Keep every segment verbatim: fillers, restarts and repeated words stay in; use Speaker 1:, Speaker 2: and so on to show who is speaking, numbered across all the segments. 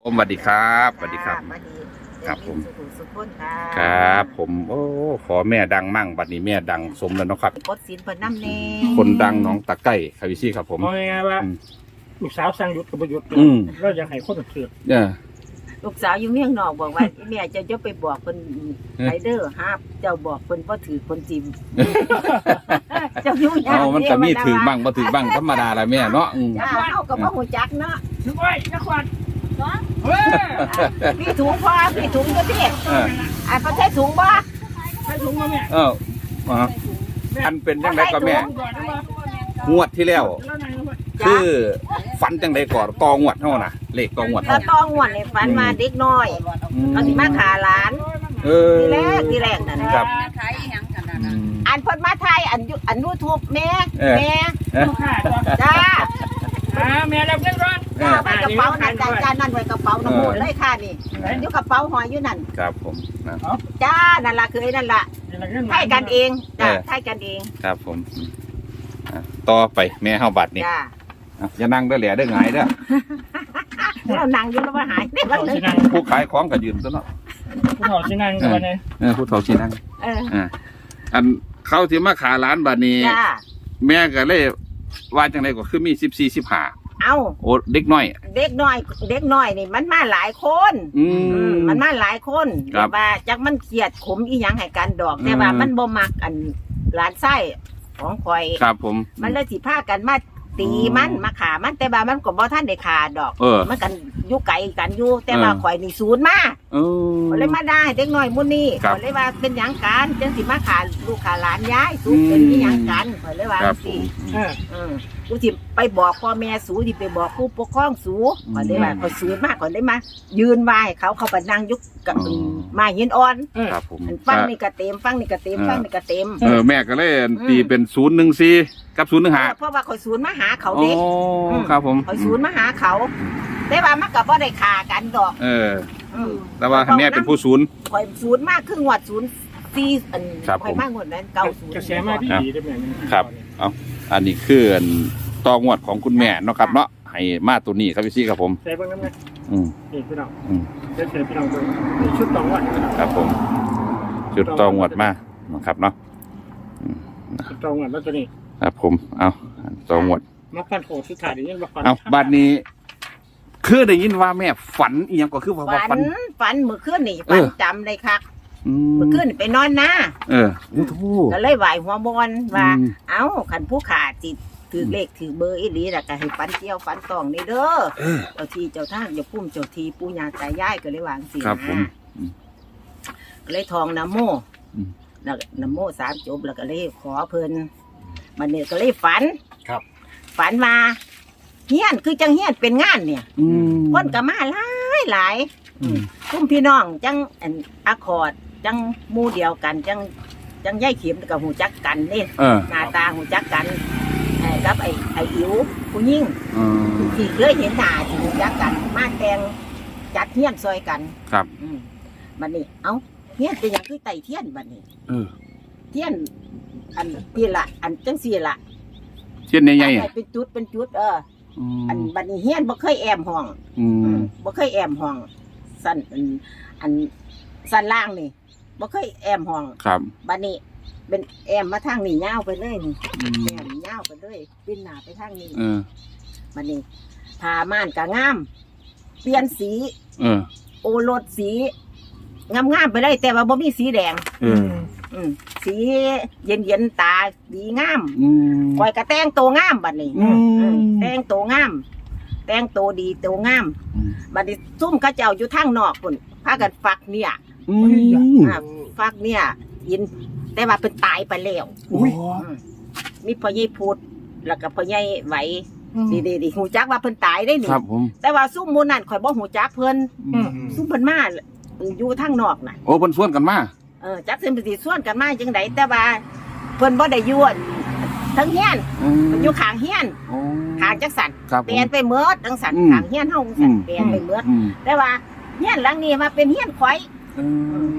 Speaker 1: ผมสวัสดีครับสวัสดีครับครับผมครับผมโอ้ขอแม่ดังมั่งบัดนี้แม่ดังสมแล้วเนาะครับ
Speaker 2: กดสินเพิ่นน้ำเน่
Speaker 1: คนดังน้องตะไก่คาวิซี่ครับผม
Speaker 3: เอาไงว่าลูกสาวสั่งหยุดกับประยุทธ์เราอยากให้คนเถื่อน
Speaker 1: เนี่ย
Speaker 2: ลูกสาวอยู่เมียงนอกบอกว่าแม่จะจะไปบอกคนไรเดอร์ฮะเจ้าบอกคนว่าถือคนจิมเจ้าอยู่ยาก
Speaker 1: เอามันก็มีถือบ้างบ่ถือบ้างธรรมดาแหละแม่เนาะ
Speaker 2: จ้าเอากับพ่อหูจักเนาะ
Speaker 3: นึกไว้นักวันเนาะ
Speaker 2: พี่ถุงพ่อพี่ถุงก็พี่อ่าเขาใช้ถุงบ่
Speaker 3: ใช้ถุงมาแม่
Speaker 1: เอออันเป็นจังไดก็แม่งวดที่แล้วคือฝันจังไดก่อนกองวดเท่าน่ะเลขกองวด
Speaker 2: เท่าตองวดในฝันมาเด็กน้อยเขาสิมาขาหลานทีแรกทีแรกนั่น
Speaker 1: ครับ
Speaker 2: อันเพิ่นมาไทยอันอันยูทูบแม่แม่จ้า
Speaker 3: แม่รับเงินร้อน
Speaker 2: จ้าไปกระเป๋านั่นจานนั่นไว้กระเป๋าน้ำมูลเลยค่ะนี่อยู่กระเป๋าหอยอยู่นั่น
Speaker 1: ครับผม
Speaker 2: จ้านั่นล่ะคือไอ้นั่นล่ะไทยกันเองจ้าไทยกันเอง
Speaker 1: ครับผมต่อไปแม่เฮาบัดนี่อย่านั่งเด้อแหล่เด้อหงายเด้อ
Speaker 2: เรานั่งอยู่แล้วว่าหายได้บ้างเลย
Speaker 1: ผู้ขายของก็ยืนซะเนาะ
Speaker 3: ผู้เฒ่าสินั่งกันเลย
Speaker 1: เออผู้เฒ่าสินั่งเอออันเขาสิมาขาร้านบัดนี้แม่ก็เลยว่าจังได๋ก็คือมีสิบสี่ สิบห้า
Speaker 2: เอ้า
Speaker 1: โอ้เด็กน้อย
Speaker 2: เด็กน้อยเด็กน้อยนี่มันมาหลายคนอืมมันมาหลายคนแต่ว่าจักมันเครียดขมอีหยังให้กันดอกแต่ว่ามันบ่มักอันหลานไส้ของข่อย
Speaker 1: ครับผม
Speaker 2: มันเลยสิพากันมาตีมันมาขามันแต่ว่ามันก็บ่ท่านได้ขาดอกมันกันอยู่ไกลกันอยู่แต่ว่าข่อยนี่ศูนย์มา
Speaker 1: เออ
Speaker 2: เลยมาได้เด็กน้อยมื้อนี้ข่อยเลยว่าเป็นหยังกันจังสิมาขาลูกขาหลานยายสูเป็นอีหยังกันข่อยเลยว่าสิเออเออกูสิไปบอกพ่อแม่สูสิไปบอกผู้ปกครองสูข่อยเลยว่าข่อยศูนย์มากข่อยเลยมายืนไหว้เขาเขาไปนั่งยุกกับมาหินอ่อน
Speaker 1: ครับผม
Speaker 2: ฟังนี่ก็เต็มฟังนี่ก็เต็มฟังนี่ก็เต็ม
Speaker 1: เออแม่ก็เลยตีเป็นศูนย์หนึ่งสี่กับศูนย์หนึ่งห้า
Speaker 2: เพราะว่าข่อยศูนย์มาหาเขาเด็ก
Speaker 1: ครับผม
Speaker 2: ข่อยศูนย์มาหาเขาแต่ว่ามันก็บ่ได้ฆ่ากันดอก
Speaker 1: เออแต่ว่าแม่เป็นผู้ศูนย์
Speaker 2: ข่อยศูนย์มากครึ่งวัดศูนย์สี่อันข่อยมากหมดนั้นเก้าศูนย์
Speaker 3: กระแสมาที่ดีได้แม่
Speaker 1: ครับเอาอันนี้คือต่องวดของคุณแม่เนาะครับเนาะให้มาตัวนี้ครับพี่ซี่ครับผม
Speaker 3: ใส่เบิ่งนำแม่
Speaker 1: อืม
Speaker 3: นี่พี่น้องอืมเดี๋ยวเสร็จพี่น้องเบิ่งนี่ชุดต่องวด
Speaker 1: ครับผมชุดต่องวดมานะครับเนาะ
Speaker 3: ชุดต่องวดแล้วตัวนี้
Speaker 1: ครับผมเอาต่องวด
Speaker 3: มาฟันโหดสุดท้ายนี่บ่ฟัน
Speaker 1: เอาบัดนี้คือได้ยินว่าแม่ฝันอีหยังก็คือว่า
Speaker 2: ฝันฝันเมื่อคืนนี่ฝันจำเลยครับเมื่อคืนไปนอนนะ
Speaker 1: เออโอ้โห
Speaker 2: ก็เลยไหวหัวบอลว่าเอ้าขันผู้ขาจิตถือเลขถือเบอร์อีหลีแล้วก็ให้ฝันเที่ยวฝันตองนี่เด้อเจ้าที่เจ้าท่านอย่าพุ่มเจ้าทีปู่ย่าตายายก็เลยวางสิ
Speaker 1: ครับผม
Speaker 2: ก็เลยทองน้ำโมแล้วน้ำโมสามจบแล้วก็เลยขอเพิ่นมันเนี่ยก็เลยฝัน
Speaker 1: ครับ
Speaker 2: ฝันมาเฮียนคือจังเฮียนเป็นงานเนี่ยคนก็มาหลายหลายคุ้มพี่น้องจังอันอะคอร์ดจังมูเดียวกันจังจังย่ายเข็มกับหูจักกันนี่หน้าตาหูจักกันกับไอ้ไอ้อิ๋วผู้ยิ่งที่เคยเห็นหน้าที่หูจักกันมาแต่งจัดเฮียนซอยกัน
Speaker 1: ครับ
Speaker 2: บัดนี้เอ้าเฮียนเป็นอย่างคือไต่เทียนบัดนี้เทียนอันพี่ละอันจังสี่ละ
Speaker 1: เทียนใหญ่
Speaker 2: ๆเป็นจุดเป็นจุดเอออันบัดนี้เฮียนบ่เคยแอมห้องบ่เคยแอมห้องสั้นอันสั้นล่างนี่บ่เคยแอมห้อง
Speaker 1: ครับ
Speaker 2: บัดนี้เป็นแอมมาทางนี้ยาวไปเลยนี่แอมยาวไปเลยปิ้นหน้าไปทางนี้บัดนี้ผ้าม่านก็งามเปลี่ยนสีโอรสสีงามๆไปเลยแต่ว่าบ่มีสีแดงสีเย็นๆตาดีงามคอยกระแต่งตัวงามบัดนี้แต่งตัวงามแต่งตัวดีตัวงามบัดนี้ซุ่มเขาเจ้าอยู่ทางนอกพุ่นพากันฝักเนี่ยฝักเนี่ยยินแต่ว่าเป็นตายไปแล้วมีพ่อใหญ่พูดแล้วก็พ่อใหญ่ไหวดีๆหูจักว่าเพิ่นตายได้นี่แต่ว่าซุ่มมูนั่นข่อยบ่หูจักเพิ่นซุ่มเพิ่นมาอยู่ทางนอกน่ะ
Speaker 1: โอ้เพิ่นส่วนกันมา
Speaker 2: เออจักเพิ่นสิส่วนกันมาจังได๋แต่ว่าเพิ่นบ่ได้อยู่ทั้งเฮียนมันอยู่ข้างเฮียนข้างจักสันเปลี่ยนไปเมิดจังสันข้างเฮียนเฮาจังสันเปลี่ยนไปเมิดแต่ว่าเฮียนหลังนี้มาเป็นเฮียนข่อย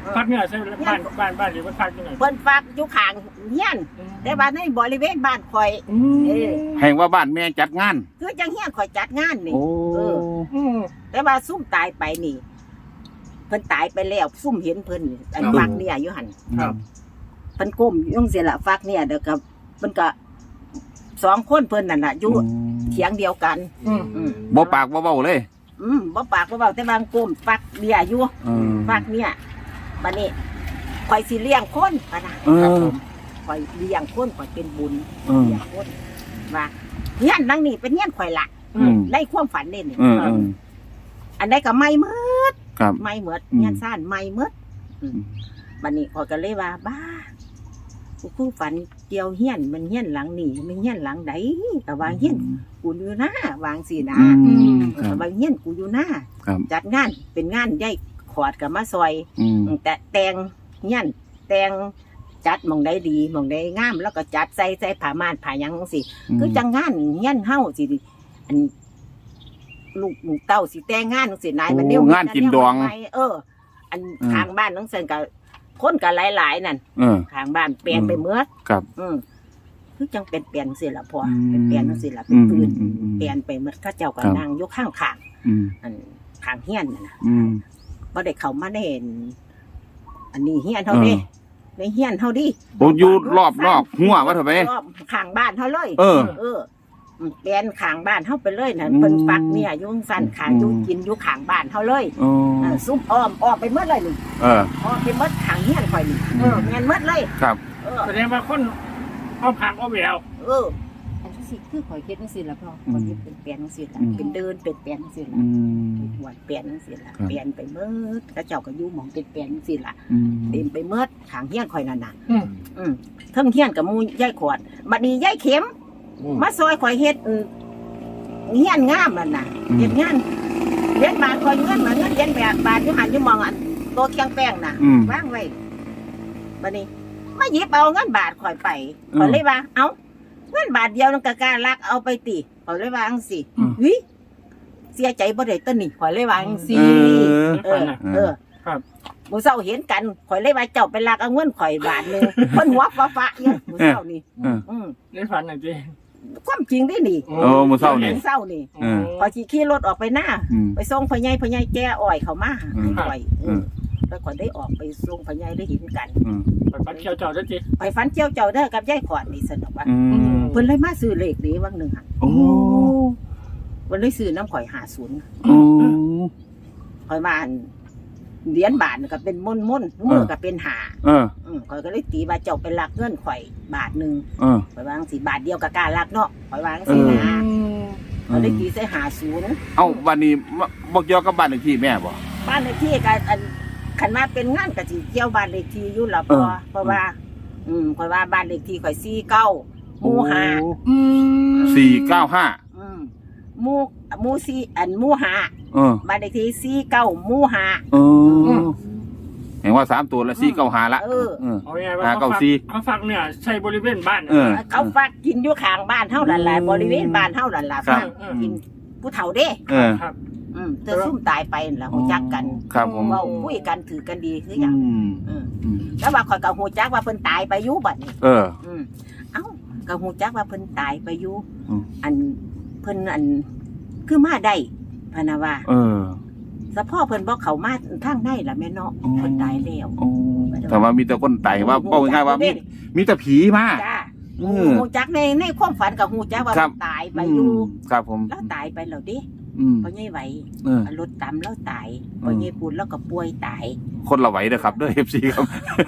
Speaker 3: พักเนี่ยใช่บ้านบ้านบ้านหรือว่าพักยังไง
Speaker 2: เพิ่นฝากอยู่ข้างเฮียนแต่ว่าในบริเวณบ้านข่อยเออ
Speaker 1: แห่งว่าบ้านแม่จัดงาน
Speaker 2: คือจังเฮียนข่อยจัดงานนี่
Speaker 1: โอ้
Speaker 2: เออ แต่ว่าซุ่มตายไปนี่ เพิ่นตายไปแล้วซุ่มเห็นเพิ่นนี่อันฟักเนี่ยอยู่หั่น
Speaker 3: ครับ
Speaker 2: เพิ่นก้มอยู่จังซี่ล่ะฟักเนี่ยเด้อกับเพิ่นก็สองคนเพิ่นนั่นน่ะอยู่เถียงเดียวกัน
Speaker 3: อืม
Speaker 2: อืม
Speaker 1: บ่ปากบ่เว้าเลย
Speaker 2: อืมบ่ปากบ่เว้าแต่บางก้มฟักเนี่ยอยู่
Speaker 1: อืม
Speaker 2: ฟักเนี่ยบัดนี้ข่อยสิเลี้ยงคนปะนะ
Speaker 1: เออ
Speaker 2: ครับผมข่อยเลี้ยงคนข่อยเป็นบุญ
Speaker 1: เออ
Speaker 2: เลี้ยงคนว่าเฮียนนังนี่เป็นเฮียนข่อยละ
Speaker 1: อืม
Speaker 2: ในความฝันนี่นี่
Speaker 1: เออเออ
Speaker 2: อันใดก็ไม่หมืด
Speaker 1: ครับ
Speaker 2: ไม่หมืด
Speaker 1: อืม
Speaker 2: เฮียนซ่านไม่หมืดอืม
Speaker 1: อืม
Speaker 2: บัดนี้ข่อยก็เลยว่าบ้ากูคือฝันเกี่ยวเฮียนมันเฮียนหลังนี่มันเฮียนหลังใดก็ว่าเฮียนกูอยู่หน้าวางสินะ
Speaker 1: อืม
Speaker 2: เอ
Speaker 1: ค
Speaker 2: อ
Speaker 1: รับ
Speaker 2: ว่าเฮียนกูอยู่หน้า
Speaker 1: ครับ
Speaker 2: จัดงานเป็นงานใหญ่ขอดกับมาซอย
Speaker 1: อืม
Speaker 2: แต่แต่งเฮียนแต่งจัดหมองได้ดีหมองได้งาม แล้วก็จัดใส่ใส่ผ้าม่านผ้าหยังสิคือจังงานเฮียนเฮาสิอันลูกลูกเต้าสิแต่งงานจังสินายมัน
Speaker 1: โอ้
Speaker 2: เดียว
Speaker 1: งานกินดอง
Speaker 2: ไปเออ อัน
Speaker 1: อืม
Speaker 2: ข้างบ้านน้องเซนก็คนก็หลายๆนั่น
Speaker 1: เออ
Speaker 2: ข้างบ้านเปลี่ยนไปเมื่อ
Speaker 1: ครับ
Speaker 2: อืมคือจังเป็นเปลี่ยนสิล่ะพ่อ
Speaker 1: อืม
Speaker 2: เป็นเปลี่ยนจังสิล่ะเป็นปืน
Speaker 1: อืมอืมอืม
Speaker 2: เปลี่ยนไปเมื่อเข้าเจ้าก็
Speaker 1: ครับ
Speaker 2: นั่งอยู่ข้างข้าง
Speaker 1: อืม
Speaker 2: อันข้างเฮียนนั่นน่ะ
Speaker 1: อืม
Speaker 2: บ่ได้เข้ามาได้เห็นอันนี้เฮียนเฮาเด้
Speaker 1: เออ
Speaker 2: ในเฮียนเฮาดิ
Speaker 1: โอ้อยู่รอบนอกหัวว่าเถอะไป
Speaker 2: รอบข้างบ้านเฮาเลย
Speaker 1: เออ
Speaker 2: เออเปลี่ยนข้างบ้านเฮาไปเลยน่ะ
Speaker 1: อืม
Speaker 2: เพิ่นปักเนี่ยอยู่สั่นข้างอยู่
Speaker 1: อืม
Speaker 2: กินอยู่ข้างบ้านเฮาเลย
Speaker 1: โอ้
Speaker 2: เออซุ่มอ้อมอ้อมไปหมดเลยนี่
Speaker 1: เออ
Speaker 2: อ้อมไปหมดข้างเฮียนข่อยนี่เออแม่นหมดเลย
Speaker 1: ครับ
Speaker 2: เออ
Speaker 3: แสดงว่าคนเอาผักเอาแหวว
Speaker 2: เอออันที่สิคือข่อยเฮ็ดจังซี่ล่ะพ่อ
Speaker 1: อืม
Speaker 2: ข่อยเฮ็ดเป็นเปลี่ยนจังซี่ล่ะ
Speaker 1: อืม
Speaker 2: เป็นเดินเป็นเปลี่ยนจังซี่ล่ะ
Speaker 1: อืม
Speaker 2: หวดเปลี่ยนจังซี่ล่ะ
Speaker 1: ครับ
Speaker 2: เปลี่ยนไปหมดกระเจ้าก็อยู่หม่องเป็นเปลี่ยนจังซี่ล่ะ
Speaker 1: อืม
Speaker 2: เต็มไปหมดข้างเฮียนข่อยนั่นน่ะ
Speaker 3: อืม
Speaker 2: อืมเทิงเฮียนกับหมูยายขวดบัดนี้ยายเข็ม มาซอยข่อยเฮ็ดอืมเฮียนงามนั่นน่ะเฮ็ดงานเลี้ยนบาทข่อยเงินมาเงินเลี้ยนแบบบาทอยู่หันอยู่มองอันโตะเคียงแป้งน่ะ
Speaker 1: อืม
Speaker 2: วางไว้บัดนี้มาหยิบเอาเงินบาทข่อยไป
Speaker 1: อืม
Speaker 2: ข่อยเลยว่าเอ้าเงินบาทเดียวนั่นก็กล้าลักเอาไปติข่อยเลยว่าจังซี่
Speaker 1: อืม
Speaker 2: เฮ้ยเสียใจบ่ได้ต้นนี่ข่อยเลยว่าจังซี่
Speaker 1: เออ
Speaker 2: เออเออ
Speaker 3: ครับ
Speaker 2: มื้อเช้าเห็นกันข่อยเลยว่าเจ้าไปลักเอาเงินข่อยบาทหนึงเพิ่นหัวฟ้าๆอยู่มื้อเช้านี่
Speaker 1: เออ
Speaker 2: อืม
Speaker 3: ในฝันน่ะจี
Speaker 2: ความจริงได้นี่
Speaker 1: โอ้มื้อเช้านี่
Speaker 2: เช้านี่
Speaker 1: เออ
Speaker 2: พอขี่ขี่รถออกไปหน้า
Speaker 1: อืม
Speaker 2: ไปส่งพ่อใหญ่พ่อใหญ่แก้อ้อยเขามา
Speaker 1: อืม
Speaker 2: ให้อ้อย
Speaker 1: อืม
Speaker 2: แล้วก่อนได้ออกไปส่งพ่อใหญ่ได้เห็นกัน
Speaker 1: อืม
Speaker 3: ฝันเขียวเจ้าด้วยจี
Speaker 2: ไปฟันเจียวเจ้าเด้อกับยายขอดนี่สนุกว่า
Speaker 1: อืม
Speaker 2: เพิ่นเลยมาซื้อเลขนี้วังหนึ่งหัน
Speaker 1: โอ้
Speaker 2: เพิ่นเลยซื้อน้ำข่อยหาศูนย์
Speaker 1: โอ้
Speaker 2: ข่อยมาอันเหรียญบาทก็เป็นม่นม่นๆมือก็เป็นหา
Speaker 1: เออ
Speaker 2: อืมข่อยก็เลยตีว่าเจ้าเป็นลักเงินข่อยบาทหนึ่ง
Speaker 1: เออ
Speaker 2: ข่อยวาจั่งสีบาทเดียวกับการลักเนาะข่อยวาจั่ง
Speaker 1: เอ
Speaker 2: สี
Speaker 1: อ
Speaker 2: นะข่อยเลยตีใส่หาศูนย์
Speaker 1: เอ้าวันนี้บ่เกี่ยวกับบ้านเลขที่แม่บ่
Speaker 2: บ้านเลขที่ก็อันขันมาเป็นงานกะสิเกี่ยวบ้านเลขที่อยู่ละพ
Speaker 1: เอ
Speaker 2: อ
Speaker 1: อ
Speaker 2: เพราะว่า อืมข่อยว่าบ้านเลขที่ข่อยสี่เก้าหมู่ห้า
Speaker 1: สี่เก้าห้า
Speaker 2: อืมหมู่หมู่สี่อันหมู่ห้า
Speaker 1: เออ
Speaker 2: บ้านเลขที่สี่เก้าหมู่ห้า
Speaker 1: เออเห็นว่าสามตัวละสี่เก้าห้าละ
Speaker 2: เออ
Speaker 1: เออ
Speaker 3: เอาไงว่า
Speaker 1: หา
Speaker 3: เขา
Speaker 1: เก้า
Speaker 3: ฝัก
Speaker 1: สี่
Speaker 3: เขาฝักเนี่ยใช่บริเวณบ้าน
Speaker 1: เออ
Speaker 2: เขาฝากกินอยู่ข้างบ้านเท่านั้นแหละ
Speaker 1: อืม
Speaker 2: บริเวณบ้านเท่านั้นแหละ
Speaker 1: ครับ
Speaker 2: ฝากกินผู้เฒ่าเด้
Speaker 1: เออ
Speaker 3: ครับ
Speaker 2: อืมเธอซุ่มตายไปนั่นล่ะหูจักกัน
Speaker 1: ครับผม
Speaker 2: เว้าคุยกันถือกันดีคือห
Speaker 1: อื
Speaker 2: ยัง
Speaker 1: ม
Speaker 2: อืม
Speaker 1: อืม
Speaker 2: แล้วว่าข่อยก็หูจักว่าเพิ่นตายไปอยู่บัดนี้
Speaker 1: เออ
Speaker 2: อืมเอ้าก็หูจักว่าเพิ่นตายไปอยู่
Speaker 1: อืม
Speaker 2: อันเพิ่นอันคือมาได้พะนะว่า
Speaker 1: เออ
Speaker 2: สะพ่อเพิ่นบอกเขามาทางในล่ะแม่เนาะ
Speaker 1: อืม
Speaker 2: เพิ่นตายแล้ว
Speaker 1: โอ้แต่ว่ามีแต่คนไต่ว่าเป้าง่ายๆว่ามีมีแต่ผีมา
Speaker 2: จ้า
Speaker 1: เออ
Speaker 2: หูจักในในความฝันกับหูจักว่า
Speaker 1: ครับ
Speaker 2: เพิ่นตายไปอยู่
Speaker 1: มครับผม
Speaker 2: แล้วตายไปแล้วดิ
Speaker 1: อืม
Speaker 2: พ่อใหญ่ไหว
Speaker 1: เออ
Speaker 2: รถตำแล้วตาย
Speaker 1: อืม
Speaker 2: พ่อใหญ่ปูนแล้วก็ป่วยตาย
Speaker 1: คนละไหวเด้อครับเด้อ เอฟซีครับ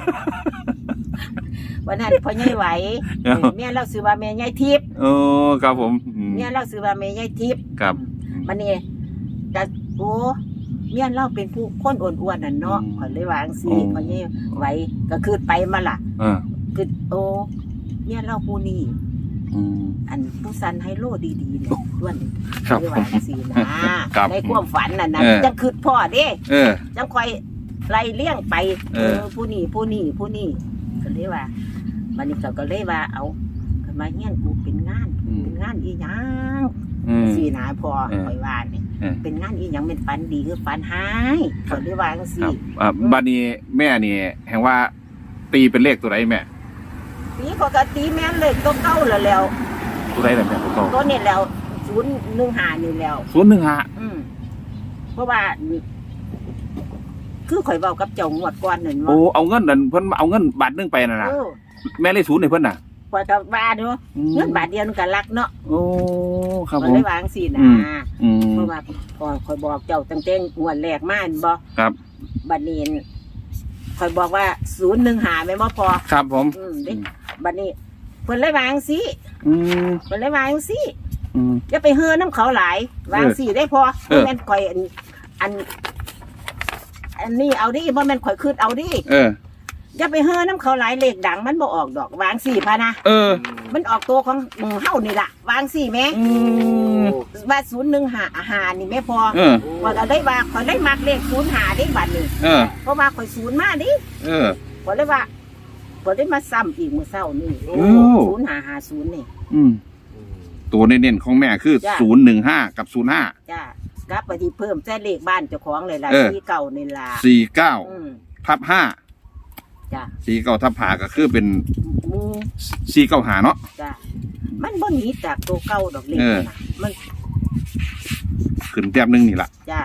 Speaker 2: วันนั้นพ่อใหญ่ไหว
Speaker 1: เออ
Speaker 2: เมียเราซื้อว่าแม่ใหญ่ทิพย์
Speaker 1: โอ้ครับผมอืม
Speaker 2: เมียเราซื้อว่าแม่ใหญ่ทิพย์
Speaker 1: ครับ
Speaker 2: มันนี่แต่โอ้เมียเราเป็นผู้คนอ้วนๆน่ะเนาะ
Speaker 1: อืม
Speaker 2: ขอยเลยวาจั่งซี
Speaker 1: โอ้
Speaker 2: พ่อใหญ่ไหวก็คือไปมาล่ะ
Speaker 1: เออ
Speaker 2: คือโอ้เมียเราผู้นี้
Speaker 1: อืม
Speaker 2: อันผู้สันไฮโลดีๆเนี่ยด้วน
Speaker 1: ครับ
Speaker 2: เลย
Speaker 1: ผ
Speaker 2: ว่าม จังซี่นะครับ ในความฝันน่ะนะ
Speaker 1: เออ
Speaker 2: จังคือพ่อเด้
Speaker 1: เออ
Speaker 2: จังคอยไล่เลี้ยงไป
Speaker 1: เออ
Speaker 2: ผู้นี้ผู้นี้ผู้นี้ก็เลยว่ามันนี่ก็ก็เลยว่าเอาขึ้นมาเฮียนกูเป็นงาน
Speaker 1: อืม
Speaker 2: เป็นงานอีหยัง
Speaker 1: อืม
Speaker 2: สี่นาพอ
Speaker 1: เออ
Speaker 2: คอยว่านี่
Speaker 1: เออ
Speaker 2: เป็นงานอีหยังเป็นฝันดีคือฝันหายเขาได้ว่าจัง
Speaker 1: ค
Speaker 2: ซี่
Speaker 1: รับอ่าบัดนี้แม่นี่แห่งว่าตีเป็นเลขตัวไหนแม่
Speaker 2: ปีปกติแม่นเลยตัวเก่าแล้วแล้ว
Speaker 1: ตัวไหนแหละแม่ตัวโต
Speaker 2: ตัวนี้แล้วศูนย์หนึ่งห้านี่แล้ว
Speaker 1: ศูนย์หนึ่งห้า
Speaker 2: อืมเพราะว่า คือข่อยเว้ากับเจ้างวดก่อนนั่น
Speaker 1: โอ้
Speaker 2: ว่า
Speaker 1: เอาเงินนั่นเพิ่นเอาเงินบาทหนึงไปน่ะนะ
Speaker 2: เออ
Speaker 1: แม่เลยศูนย์ให้เพิ่นน่ะ
Speaker 2: ข่อยก็ว่าเนาะเงินบาทเดียวมันก็รักเนาะ
Speaker 1: โอ้ครับ
Speaker 2: ข่
Speaker 1: ผ
Speaker 2: อย
Speaker 1: ม
Speaker 2: เลยวาจังซี่นะ
Speaker 1: อืม อืม
Speaker 2: เพราะว่าพอข่อยบอกเจ้าตั้งแต่งวดแรกมาเห็นบ่
Speaker 1: ครับ
Speaker 2: บัดนี้ข่อยบอกว่าศูนย์หนึ่งหาแม่นบ่พอ
Speaker 1: ครับผม
Speaker 2: อืมเด้บัดนี้เพิ่นเลยวาจังซี่
Speaker 1: อืม
Speaker 2: เพิ่นเลยวาจังซี่
Speaker 1: อืม
Speaker 2: อย่าไปเฮือน้ำเขาหลายวาจังซี่ได้พอ
Speaker 1: เออ
Speaker 2: บ่แม่นข่อยอันอัน อันนี้เอาดิบ่แม่นข่อยคืดเอาดิ
Speaker 1: เออ
Speaker 2: อย่าไปเฮือน้ำเขาหลายเลขดังมันบ่ออกดอกวาจังซี่พะนะ
Speaker 1: เออ
Speaker 2: มันออกตัวของหมู่เฮานี่ล่ะวาจังซี่แหม่
Speaker 1: อืม
Speaker 2: ว่าศูนย์หนึ่งหาอาหารนี่แม่พอ
Speaker 1: เออ
Speaker 2: ว่าก็ได้ว่าข่อยได้มักเลขศูนย์หาได้บัดนี้
Speaker 1: เออ
Speaker 2: เพราะว่าข่อยศูนย์มาดิ
Speaker 1: เออ
Speaker 2: ข่อยเลยว่าข่อยได้มาซ้ำอีกมื้อเช้านี่
Speaker 1: โอ้
Speaker 2: ศูนย์หาหาศูนย์นี่
Speaker 1: อืม ตัวเน้นๆของแม่คือ
Speaker 2: จ้ะ
Speaker 1: ศูนย์หนึ่งห้ากับศูนย์ห้า
Speaker 2: จ้ากลับไปที่เพิ่มแต่เลขบ้านเจ้าของเลยล่ะ
Speaker 1: เออ
Speaker 2: ที่เก่านี่ล่ะ
Speaker 1: สี่เก้า
Speaker 2: อืม
Speaker 1: ทับห้า
Speaker 2: จ้า
Speaker 1: สี่เก้าทับห้าก็คือเป็น
Speaker 2: หมู
Speaker 1: สี่เก้าหาเนาะ
Speaker 2: จ้ามันบ่หนีจากตัวเก่าดอกเลข
Speaker 1: เออ
Speaker 2: นะมัน
Speaker 1: ขึ้นแต้มหนึงนี่ละ
Speaker 2: จ้า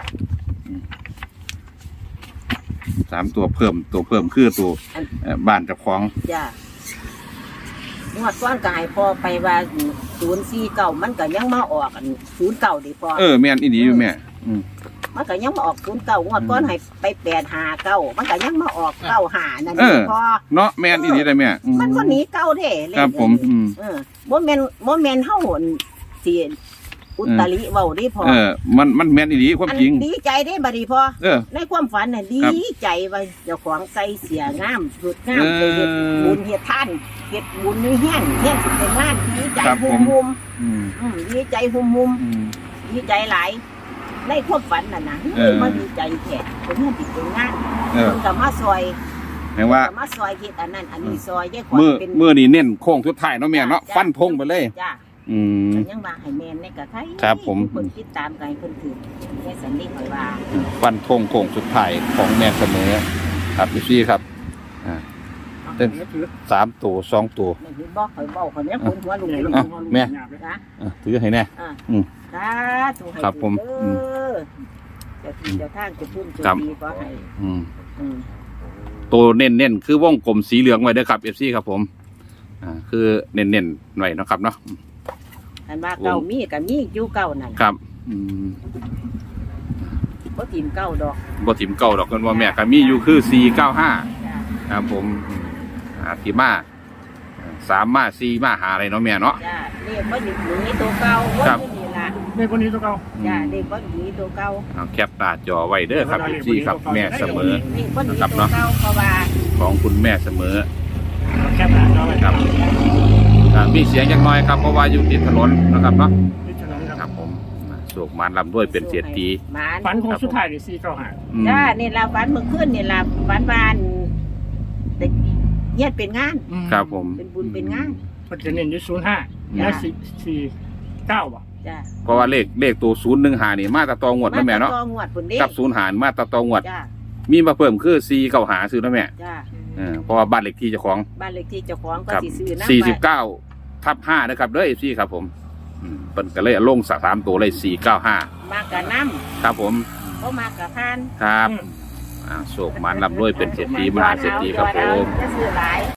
Speaker 1: สามตัวเพิ่มตัวเพิ่มคือตัวเอ่อบ้านเจ้าของ
Speaker 2: จ้า งวดก้อนก็ให้พอไปว่าศูนย์สี่เก่ามันก็ยังมาออกอันศูนย์เก่าดิพอ
Speaker 1: เออแม่นอีดีอยู่แม่อืม
Speaker 2: มันก็ยังมาออกศูนย์เก่างวดก้อนให้ไปแปดหาเก้ามันก็ยังมาออกเก้าหานั่น
Speaker 1: เออ
Speaker 2: พอ
Speaker 1: เนาะแม่นอีดีได้แม่อื
Speaker 2: มันก็หนีเก้าเด้เลข
Speaker 1: ครับผมอืม
Speaker 2: เออบ่แม่นบ่แม่นเฮาหนสิอุตริเว้าดิพอ
Speaker 1: เออ มันมันแม่นอีดีความจริง
Speaker 2: อันดีใจได้บัดนี้พอ
Speaker 1: เออ
Speaker 2: ในความฝันน่ะดี
Speaker 1: ครับ
Speaker 2: ใจว่าเจ้าของใส่เสียงามสุดงาม
Speaker 1: เออ
Speaker 2: ไปเฮ็ดบุญเฮ็ดทานเฮ็ดบุญในเฮียนเฮียนสิเป็นงานดีใจ
Speaker 1: ครับ
Speaker 2: หุ
Speaker 1: ผม ม
Speaker 2: มุม
Speaker 1: อืม
Speaker 2: อืมดีใจหุมมุม
Speaker 1: อืม
Speaker 2: ดีใจหลายในความฝันน่ะนะ
Speaker 1: เออ
Speaker 2: มันดีใจแท้เป็นเฮียนสิเป็นงาน
Speaker 1: เออ
Speaker 2: เพิ่นก็มาซอย
Speaker 1: แปลว่า
Speaker 2: ก็มาซอยเฮ็ดอันนั้นอันนี้ซอยยายขวัญ
Speaker 1: มือ
Speaker 2: เป็น
Speaker 1: มือนี่เน้นโค้งสุดท้ายเนาะแม่เนาะ
Speaker 2: จ้ะ
Speaker 1: ฟันธงไปเลย
Speaker 2: จ้า
Speaker 1: อืม
Speaker 2: ก็ยังว่าให้แม่นในกะไทย
Speaker 1: ครับผม
Speaker 2: เพิ่นติดตามกันให้เพิ่นถือในสันนิษฐานว่า
Speaker 1: ฟันธงโค้งสุดท้ายของแม่เสมอครับพี่ซี่ครับอ่า เต้น สามตัวสองตัว
Speaker 2: ไม่เห็นบอกข่อยเว้าข่อยแม่คนหัวลุงลุง
Speaker 1: อ่ะแม่
Speaker 2: นะ
Speaker 1: อ่ะถือให้แน่
Speaker 2: อ่า
Speaker 1: อืม
Speaker 2: สาธุให้
Speaker 1: ครับผม
Speaker 2: เด้อเจ้าที่เจ้าทางเจะพุ่นเจะ
Speaker 1: ครับ
Speaker 2: ดีก็ให้
Speaker 1: อืม
Speaker 2: อืม
Speaker 1: ตัวเน้นๆคือวงกลมสีเหลืองไว้เด้อครับเอฟซีครับผมอ่าคือเน้นๆไว้เนาะครับเนาะ
Speaker 2: อันว่าเก่ามีกับมีอยู่เก่านั่น
Speaker 1: ครับอืม
Speaker 2: บ่ถิ่มเก่าดอก
Speaker 1: บ่ถิ่มเก่าดอกกันว่าแม่ก็มีอยู่คือสี่เก้าห้า
Speaker 2: จ้า
Speaker 1: ครับผมอืมอ่าที่มาสามมาสี่มาหาอะไรเนาะแม่เนาะ
Speaker 2: จ้าเรียกว่าหนีหนีตัวเก่าว่า
Speaker 1: ครับ
Speaker 2: อยู่นี่ล่ะ
Speaker 3: ในคนนี้ตัวเก่า
Speaker 2: จ้าเรียกว่าหนีตัวเก่า
Speaker 1: เอาแคปหน้าจอไว้เด้อครับเอฟซีครับแม่เสมอ
Speaker 2: เรียกว่าหนี
Speaker 1: ครับ
Speaker 2: ตัว
Speaker 1: เนาะ
Speaker 2: เก่าเพราะว่า
Speaker 1: ของคุณแม่เสมอ
Speaker 3: แคบหนาจอไว้
Speaker 1: ครับอ่ามีเสียงอย่างน้อยครับเพราะว่าอยู่ติดถนนนะครับเนาะ
Speaker 3: ที่ถนน
Speaker 1: ค
Speaker 3: ค
Speaker 1: รั
Speaker 3: รั
Speaker 1: บบ ผมโศกมารลำด้วยเป็นเสียตี
Speaker 2: หมาน
Speaker 3: ฝันของสุดท้ายนี่สี่เก้าหา
Speaker 1: อืม
Speaker 2: จ้านี่ล่ะฝันเมื่อคืนนี่ล่ะฝันวานเด็กเฮ็ดเป็นงาน
Speaker 1: ครับผม
Speaker 2: เป็นบุญเป็นงาน
Speaker 3: มันจะเน้นอยู่ศูนย์ห้าและสี่สี่เก้าบ่ะ
Speaker 2: จ้า
Speaker 1: เพราะว่าเลขเลขตัวศูนย์หนึ่งหานี่มาตะตองวดนะแม่เนาะ
Speaker 2: ตองวดพุ่นเด้
Speaker 1: กับศูนย์หารมาตะตองวด
Speaker 2: จ้า
Speaker 1: มีมาเพิ่มคือสี่เก้าหาซื้อนะแม่
Speaker 2: จ้า
Speaker 1: เออเพราะว่าบ้านเลขที่เจ้าของ
Speaker 2: บ้านเลขที่เจ้าของก็
Speaker 1: ครับ
Speaker 2: สิซื้อน้ำ
Speaker 1: สี่สิบ
Speaker 2: ไว้
Speaker 1: เก้าทับห้านะครับเด้อเอฟซีครับผมอืมเป็นก็เลยเอาลงสามตัวเลยสี่เก้าห้าม
Speaker 2: ากกับน้
Speaker 1: ครับผม
Speaker 2: ำก็มากกับพาน
Speaker 1: ครับอ่าโศกมันลำรวยเป็นเศรษฐีมหาเศรษฐีครับผม
Speaker 2: จะซื้อหลาย